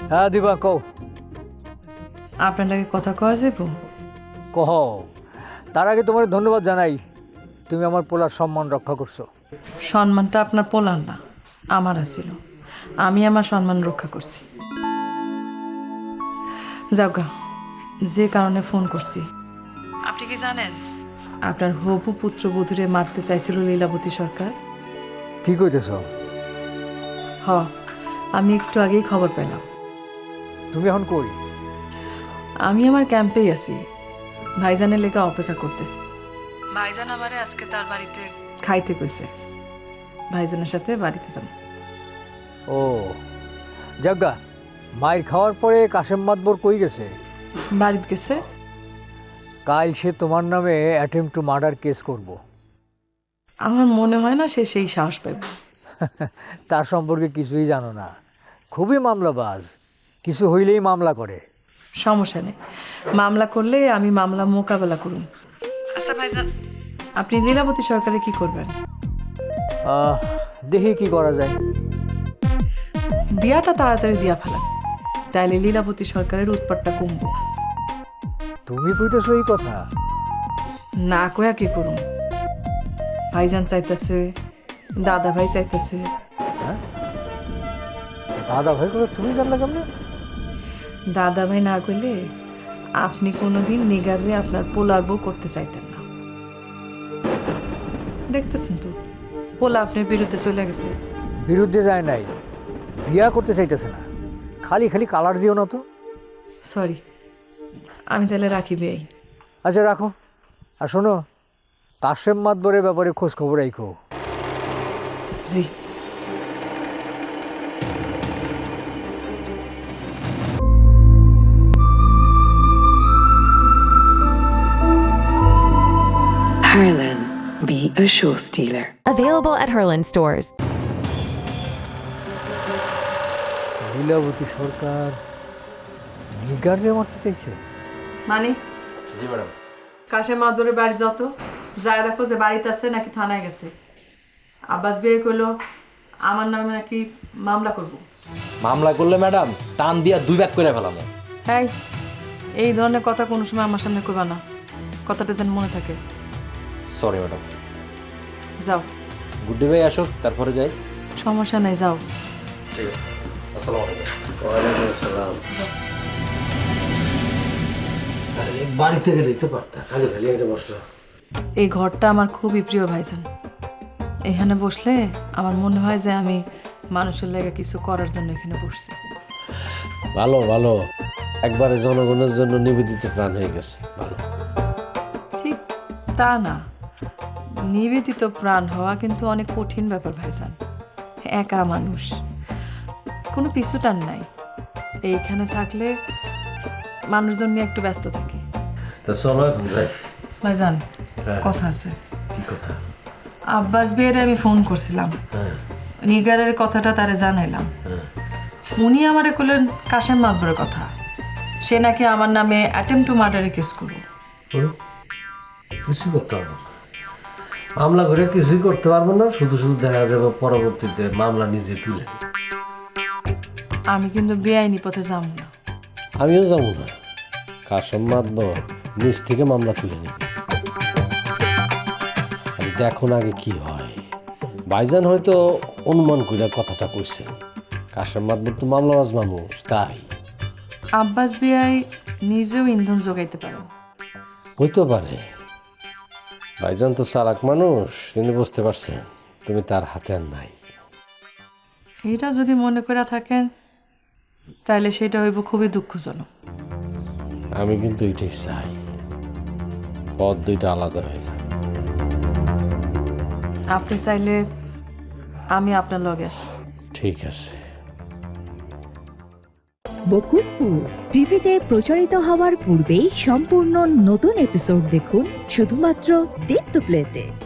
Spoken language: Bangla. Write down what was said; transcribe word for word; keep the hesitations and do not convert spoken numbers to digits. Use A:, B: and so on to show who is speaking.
A: হ্যাঁ দিবা কও।
B: আপনার লাগে কথা কওয়া যাব?
A: কহ, তার আগে তোমার ধন্যবাদ জানাই, তুমি আমার পোলার সম্মান রক্ষা করছো।
B: সম্মানটা আপনার পোলার না, আমার আছিল। আমি আমার সম্মান রক্ষা করছি। যাওগা, যে কারণে ফোন করছি, আপনি কি জানেন আপনার হবু পুত্রবধূরে মারতে চাইছিল লীলাবতী সরকার?
A: কি কইতেছ?
B: হ, আমি একটু আগেই খবর পেলাম।
A: তুমি এখন কই?
B: আমি আমার ক্যাম্পেই আছি, ভাইজানের লেগে অপেক্ষা করতেছি। ভাইজান আমারে আজকে তার বাড়িতে খাইতে কইছে, ভাইজানের সাথে বাড়িতে যাব।
A: ও যাজ্ঞা, মায়ের খাওয়ার পরে কাশেম মাতবর কই গেছে?
B: বাড়িতে গেছে।
A: কাল সে তোমার নামে অ্যাটেম্প টু মার্ডার কেস করব।
B: আমার মনে হয় না সে সেই সাহস পাইবে।
A: তার সম্পর্কে কিছুই জানো না, খুবই মামলাবাজ, কিছু হইলেই মামলা করে।
B: সমস্যা নেই, মামলা করলে আমি মামলা মোকাবেলা করুন। আচ্ছা ভাইজান, আপনি লীলাবতী সরকারে কি করবেন?
A: আহ, দেখি কি করা যায়।
B: বিয়াটা তাড়াতাড়ি দিয়া ফেলান, তাইলে লীলাবতী সরকারের উৎপাতটা কমবে।
A: তুমি কইতেছো এই কথা?
B: না কয়া কি করুন? ভাইজান চাইতেছে, দাদা ভাই চাইতেছে।
A: হ্যাঁ, দাদা ভাই কথা তুমি জানলে কেমনে?
B: দাদা ভাই না কইলে আপনি কোনোদিন নিগারে আপনার পোলার বউ করতে চাইতেন না। দেখতেছেন তো, পোলা আপনার বিরুদ্ধে চলে গেছে।
A: বিরুদ্ধে যায় নাই, বিয়া করতে চাইতেছে না। খালি খালি কালার দিও না তো।
B: সরি, আমি তাহলে রাখি বিয়াই।
A: আচ্ছা রাখো, আর শোনো, কাশেম মাতবরের ব্যাপারে খোঁজ খবর রাখো।
B: জি।
C: Harlan, be a show stealer.
D: Available at Herland stores.
A: Lilavati সরকার নিগারে মারতে চাইছে?
B: মানে
E: জি ম্যাডাম।
B: কাশেম মাদুরের বাড়ি যত যায় দেখো যে বাড়িতে আছে নাকি থানায় গেছে। আব্বাস বিয়ে করলো, আমার নামে নাকি মামলা করব।
E: মামলা করলে ম্যাডাম টান দিয়া দুই ভাগ করে ফেলাম।
B: তাই এই ধরনের কথা কোনো সময় আমার সামনে করবা না, কথাটা যেন মনে থাকে।
E: Sorry madam.
B: যাও।
E: গুড্ডি ভাই আসুক তারপরে যাই।
B: সমস্যা নাই, যাও।
E: ঠিক আছে, আসসালামু আলাইকুম।
F: ওয়ালাইকুম আসসালাম। বাড়ি থেকে দেখতে পারতাম, খালি খালি এটা বসলো।
B: এই ঘরটা আমার খুবই প্রিয় ভাইজান। এখানে বসলে আমার মনে হয় যে আমি মানুষের লেগে কিছু করার জন্য এখানে বসছি।
F: ভালো ভালো, একবারে জনগণের জন্য নিবেদিত প্রাণ হয়ে গেছে। ভালো।
B: ঠিক তা না, নিবেদিত প্রাণ হওয়া কিন্তু অনেক কঠিন ব্যাপার ভাইজান। একা মানুষ, কোনো পিছুটান নাই। এইখানে থাকলে মানুষজন নিয়ে একটু ব্যস্ত থাকি।
F: তা চলো এখন যাই।
B: ভাইজান,
F: হ্যাঁ।
B: কথা আছে।
F: কি কথা?
B: আব্বাস বিয়ের আমি ফোন করছিলাম,
F: হ্যাঁ
B: নিগারের কথাটা তারে জানাইলাম।
F: হ্যাঁ।
B: উনি আমারে কইলেন কাশেম মাতবরের কথা, সে নাকি আমার নামে অ্যাটেম্প টু মার্ডারে কেস করবে।
F: বলো, কিছুই করতে পারবো না। মামলা করে কিছুই করতে পারবো না, শুধু শুধু দেখা যাবে পরবর্তীতে মামলা নিজে তুলে।
B: আমি কিন্তু বেআইনি পথে যাব না।
F: আমিও যাবো না, কাশেম মাতবর নিজ থেকে মামলা তুলে নিবে। আমি দেখো না আগে কি হয়। ভাইজান হয়তো অনুমান করে কথাটা কইছে, কাশেম মাতবর তো মামলাবাজ মানুষ, তাই
B: আব্বাস বিয়াই নিজেও ইন্ধন যোগাইতে পারেন।
F: হইতে পারে। ভাইজান তো চালাক মানুষ, তিনি বুঝতে পারছেন তুমি তার হাতে আর নাই।
B: এইটা যদি মনে করে থাকেন তাহলে সেটা হইব খুবই দুঃখজনক।
F: আমি কিন্তু এটাই চাই, পথ দুইটা আলাদা হয়ে যায়।
B: আপনি চাইলে আমি আপনার লগে আছি।
F: ঠিক আছে।
G: বকুলপুর টিভিতে প্রচারিত হওয়ার পূর্বেই সম্পূর্ণ নতুন এপিসোড দেখুন শুধুমাত্র দীপ্ত প্লেতে।